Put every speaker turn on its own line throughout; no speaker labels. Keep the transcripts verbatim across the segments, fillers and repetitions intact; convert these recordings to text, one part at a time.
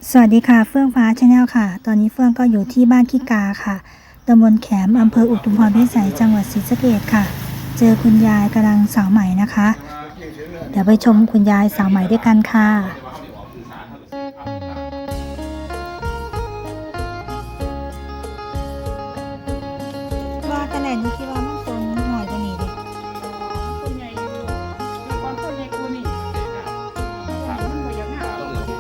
สวัสดีค่ะเฟื่องฟ้าชาแนลค่ะตอนนี้เฟื่องก็อยู่ที่บ้านขี้กาค่ะตำบลแขมอำเภออุทุมพรพิสัยจังหวัดศรีสะเกษค่ะเจอคุณยายกำลังสาวใหม่นะคะเดี๋ยวไปชมคุณยายสาวใหม่ด้วยกันค่ะว่าแต่ไหนนี่คิดว่ามันต้นหน่อยกว่านี้ดิ
คนใหญ่อยู่มีความคนใหญ่กว่านี่มันบ่อยากหา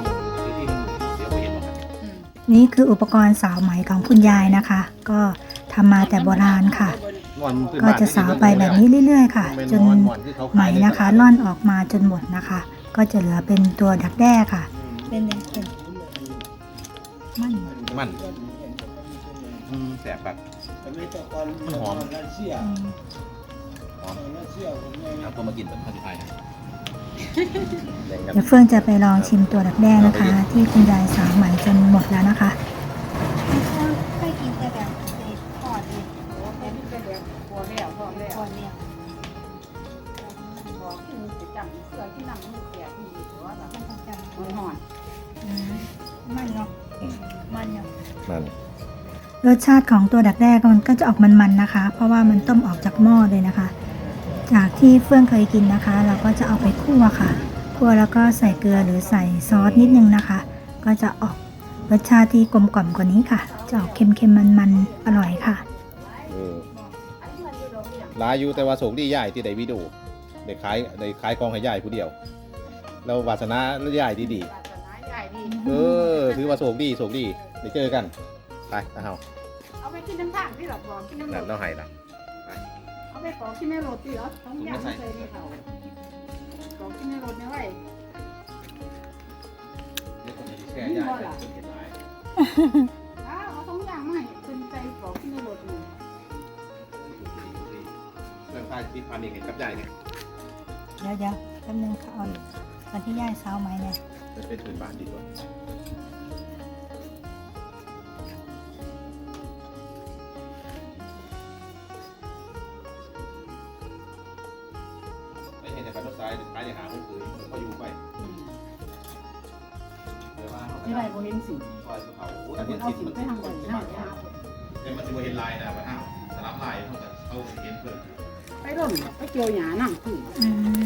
นี่คืออุปกรณ์สาวไหมของคุณยายนะคะ ก็ทำมาแต่โบราณค่ะก็จะสาวไปแบบนี้เรื่อยๆค่ะจนไหมนะคะล่อนออกมาจนหมดนะคะก็จะเหลือเป็นตัวดักแด้ค่ะเป็นเป็นมัน
มันอืมแสบแบบมันหอมหอมเอาตัวมากินแบบข้าวที่ไทยนะ
เดี๋ยวเฟื่องจะไปลองชิมตัวดักแด้นะคะที่คุณยายสาวใหม่จนหมดแล้วนะคะเคยกินแต่แบบทอดเอง
โอ้เป็นเป็นแบบพอแล้วพอแล้ว
ทอดเนี่ย
บอกกินสิจำเสื้อที่นั่งมือแก่ที่มีตัวแบบ
มันต้องจำ
มันห่อน
มันเนาะมันเนาะ
มัน
รสชาติของตัวดักแด้มันก็จะออกมันๆนะคะ เพราะว่ามันต้มออกจากหม้อเลยนะคะ จากที่เฟื่องเคยกินนะคะ เราก็จะเอาไปคั่วค่ะคั่วแล้วก็ใส่เกลือหรือใส่ซอสนิดนึงนะคะ ก็จะออกรสชาติที่กลมกล่อมกว่านี้ค่ะจะออกเค็มๆมันๆอร่อยค่ะ
เออลายอยู่แต่ว่าโศกดีใหญ่ที่ได้วิดีโอได้ขายได้ขายกองให้ใหญ่ผู้เดียวเราวาสนาใหญ่ดีดีเออถือว่าโศกดีโศกดีได้เจอกันไปนะเฮา
เอาไปกินน้ำตาลที่หลับบอกกินน้ำ
นั่น
ตา
เรา
ล
ให้ละ
เอาไปขอกินในรถดิเหรอต้องย่างใส่ในเขาขอกินในรถเนี่ยไว้อ้าวเอาต้องย่างมาให้คนใจขอกินในรถนี่
เรื่องการที่พามีเห็นกับใหญ่เนี่ย
เดี๋ยวเดี๋ยวแป๊บนึงค่ะอ่อนตอนที่ย่ายเช้าไหมเนี่ย
จะเป็นพื้นบ้านดีกว่าไม่เห็นแต่การรถไฟไปในหาคนอื่นก็อยู่ไป
ไม่ได้บ่เห็นสิ
ซอยเขา
แต่คนเอาสิไปทางไหนนะ
แต่มันจะเห็นลายนะว่าอ้าวสลับลายเขาจะเขาเห็นเพื่อน
ไปร่นไปเกี่ยวหญ้านั่งคือ
อืม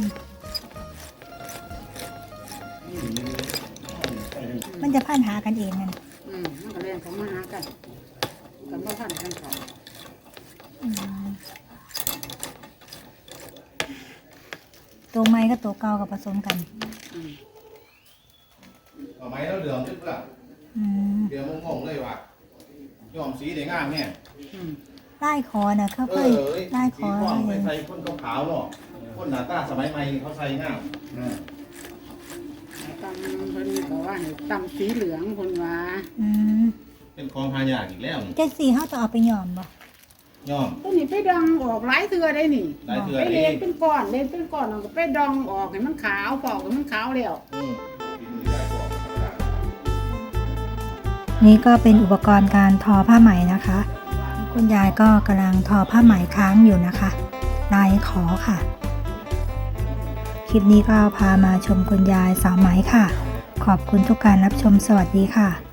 มันจะพันหากันเองนั่น
อืมมันก็เรียนเขามาหากันกันว่าพันกันเขา
อืมตัวไม้กับตัวเก่ากับผสมกัน
อืม
เอาไม้แล้วเดือมขึ้นเปล่า
อืม
เดือมงงเลยว่ะยอมสีได้งามเนี่ย
อืม
ไล่คอน่ะเขา
เอ
เคย
อ
ไล่ค
สี
อ
ม่วง
เล
ไป
ย
ใส่คนขาวๆเนาะคนหน้าตาสมัยใหม่เขาใส่งาม
ตำเพิ่นก็ว่าให้ตำสีเหลืองคนว่า
อืม
เป็นของหายากอีกแล้วนี่
เจ็ดสี่เขาจะเอาไปหย่อมบ่
ย่อม
ตัวนี้ไปดองออกหลายเทื่อได้นี่
ได้เถื่อ
ไป
เอ
เล่น
ง
เป็นก้อนเล่นเป็นก้อนแล้วก็ไปดองออกให้มันขาวปอกให้มันขาวแล้ว
อืมกินมือได้บอกธรรมดา
นี่ก็เป็นอุปกรณ์การทอผ้าไหมนะคะ คุณยายก็กำลังทอผ้าไหมค้างอยู่นะคะลายขอค่ะ คลิปนี้ก็พามาชมคุณยายสาวไหมค่ะ ขอบคุณทุกการรับชมสวัสดีค่ะ